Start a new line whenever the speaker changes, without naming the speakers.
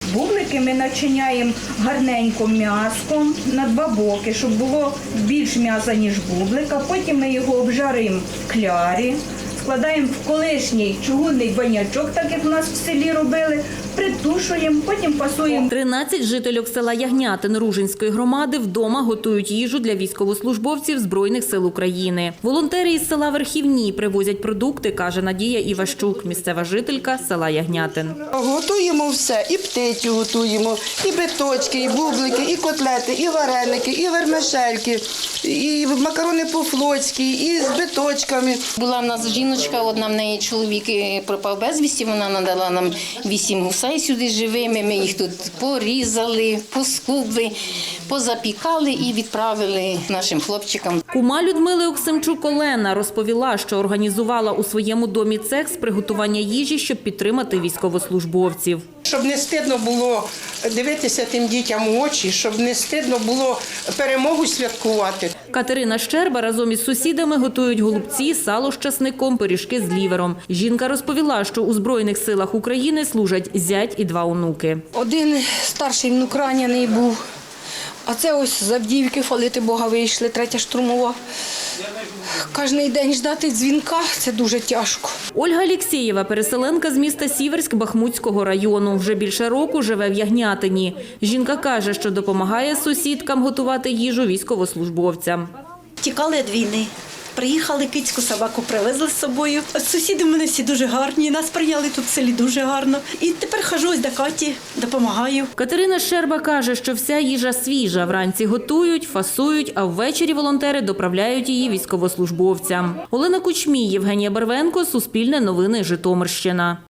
Бублики ми начиняємо гарненько м'яском на 2 боки, щоб було більш м'яса, ніж бублика. Потім ми його обжаримо в клярі, складаємо в колишній чугунний банячок, так як у нас в селі робили, притушуємо, потім пасуємо.
13 жительок села Ягнятин Ружинської громади вдома готують їжу для військовослужбовців Збройних сил України. Волонтери із села Верхівні привозять продукти, каже Надія Іващук, місцева жителька села Ягнятин.
Готуємо все, і птицю готуємо, і биточки, і бублики, і котлети, і вареники, і вермишельки, і макарони по-флотськи, і з биточками.
Була в нас жіночка, одна в неї чоловік пропав безвісті, вона надала нам 8 гусей сюди живими, ми їх тут порізали, поскубли, позапікали і відправили нашим хлопчикам.
Кума Людмили Оксимчук Олена розповіла, що організувала у своєму домі цех з приготування їжі, щоб підтримати військовослужбовців.
Щоб не стидно було дивитися тим дітям у очі, щоб не стидно було перемогу святкувати.
Катерина Щерба разом із сусідами готують голубці, сало з часником, пиріжки з лівером. Жінка розповіла, що у Збройних силах України служать зять і 2 онуки.
Один старший внук ранений був, а це ось з Авдіївки, хвалити Бога, вийшли, 3-я штурмова. Кожний день ждати дзвінка – це дуже тяжко.
Ольга Алєксєєва – переселенка з міста Сіверськ Бахмутського району. Вже більше року живе в Ягнятині. Жінка каже, що допомагає сусідкам готувати їжу військовослужбовцям.
Тікали від війни. Приїхали, кицьку собаку привезли з собою. Сусіди в мене всі дуже гарні, нас прийняли тут в селі дуже гарно. І тепер хожу ось до Каті, допомагаю.
Катерина Щерба каже, що вся їжа свіжа. Вранці готують, фасують, а ввечері волонтери доправляють її військовослужбовцям. Олена Кучмій, Євгенія Барвенко, Суспільне новини, Житомирщина.